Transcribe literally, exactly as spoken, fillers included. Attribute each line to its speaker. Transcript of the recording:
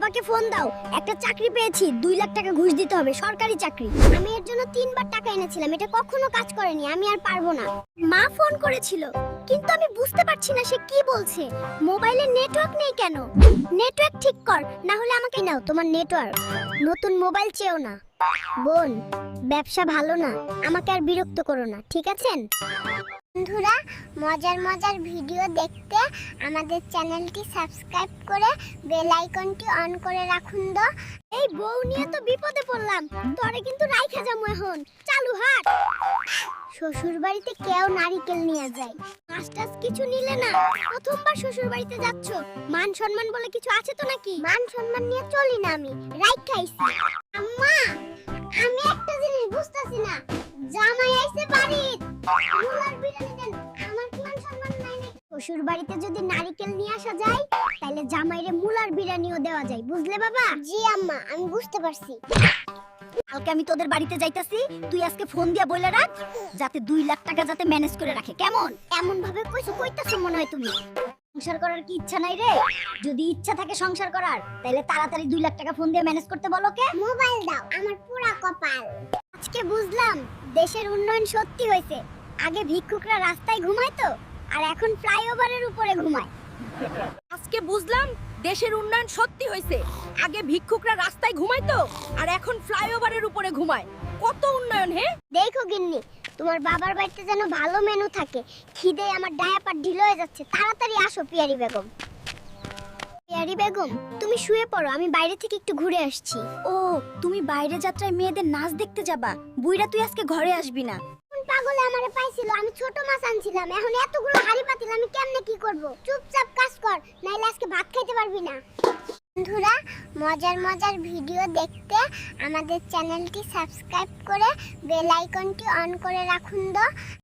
Speaker 1: বাবাকে ফোন দাও, একটা চাকরি পেয়েছি, দুই লাখ টাকা ঘুষ দিতে হবে, সরকারি চাকরি। আমি এর জন্য তিনবার টাকা এনেছিলাম, এটা কখনো কাজ করেনি, আমি আর পারবো না। মা ফোন করেছিল, কিন্তু আমি বুঝতে পারছি না সে কি বলছে। মোবাইলে নেটওয়ার্ক নেই কেন? নেটওয়ার্ক ঠিক কর, না হলে আমাকে নাও তোমার নেটওয়ার্ক। নতুন মোবাইল চেও না বোন, ব্যবসা ভালো না, আমাকে আর বিরক্ত করো না, ঠিক আছেন? বন্ধুরা, মজার মজার ভিডিও দেখতে আমাদের চ্যানেলটি সাবস্ক্রাইব করে বেল আইকনটি অন করে রাখুন। তো এই বউ নিয়ে তো বিপদে পড়লাম, তোরে কিন্তু রাইখা যামু এখন। চালু হাট। শ্বশুর বাড়িতে কেউ নারিকেল নিয়ে যায়, মাস্টার্স কিছু নিলে না, প্রথমবার শ্বশুর বাড়িতে যাচ্ছ, মান সম্মান বলে কিছু আছে তো নাকি? মান সম্মান নিয়ে চলি না আমি, রাইখা আইছি। আম্মা, আমি একটা জিনিস বুঝতাছি না, জামাই আইছে বাড়িতে, মুলার বিরিয়ানি দেন, আমার কি মান সম্মান নাই নাকি? শ্বশুর বাড়িতে যদি নারিকেল নিয়ে আসা যায়, তাহলে জামাইরে মুলার বিরিয়ানিও দেওয়া যায়, বুঝলে বাবা? জি আম্মা, আমি বুঝতে পারছি। কালকে আমি তোদের বাড়িতে যাইতাছি, তুই আজকে ফোন দিয়া বলে রাখ যাতে দুই লাখ টাকা যাতে ম্যানেজ করে রাখে, কেমন? এমন ভাবে কইছো, কইতাছো মনে হয় তুমি। সংসার করার কি ইচ্ছা নাই রে? যদি ইচ্ছা থাকে সংসার করার, তাহলে তাড়াতাড়ি দুই লাখ টাকা ফোন দিয়ে ম্যানেজ করতে বলো। কে? মোবাইল দাও, আমার পুরা কপাল। আজকে বুঝলাম দেশের উন্নয়ন সত্যি হয়েছে। আগে ভিক্ষুকরা রাস্তায় ঘুমাইতো, আর এখন ফ্লাইওভারের উপরে ঘুমায়।
Speaker 2: আজকে বুঝলাম দেশের উন্নয়ন সত্যি হয়েছে। আগে ভিক্ষুকরা রাস্তায় ঘুমাইতো, আর এখন ফ্লাইওভারের উপরে ঘুমায়। কত উন্নয়ন হে!
Speaker 1: দেখো গিন্নি, তোমার বাবার বাড়িতে যেন ভালো মেনু থাকে, খিদে আমার ডায়াপার ঢিল হয়ে যাচ্ছে। তাড়াতাড়ি আসো পিয়ারি বেগম। পিয়ারি বেগম, তুমি শুয়ে পড়ো, আমি বাইরে থেকে একটু ঘুরে আসছি। ও, তুমি বাইরে যাত্রায় মেয়েদের নাচ দেখতে যাবা? বুইরা তুই আজকে ঘরে আসবি না। কোন পাগলে আমারে পাইছিল? আমি ছোট মাছ আনছিলাম, এখন এতগুলো হাড়ি পাতিল, আমি কেমনে কি করব? চুপচাপ কাজ কর, নাইলে আজকে ভাত খাইতে পারবি না। বন্ধুরা, মজার মজার ভিডিও দেখতে আমাদের চ্যানেলটি সাবস্ক্রাইব করে বেল আইকনটি অন করে রাখুন। তো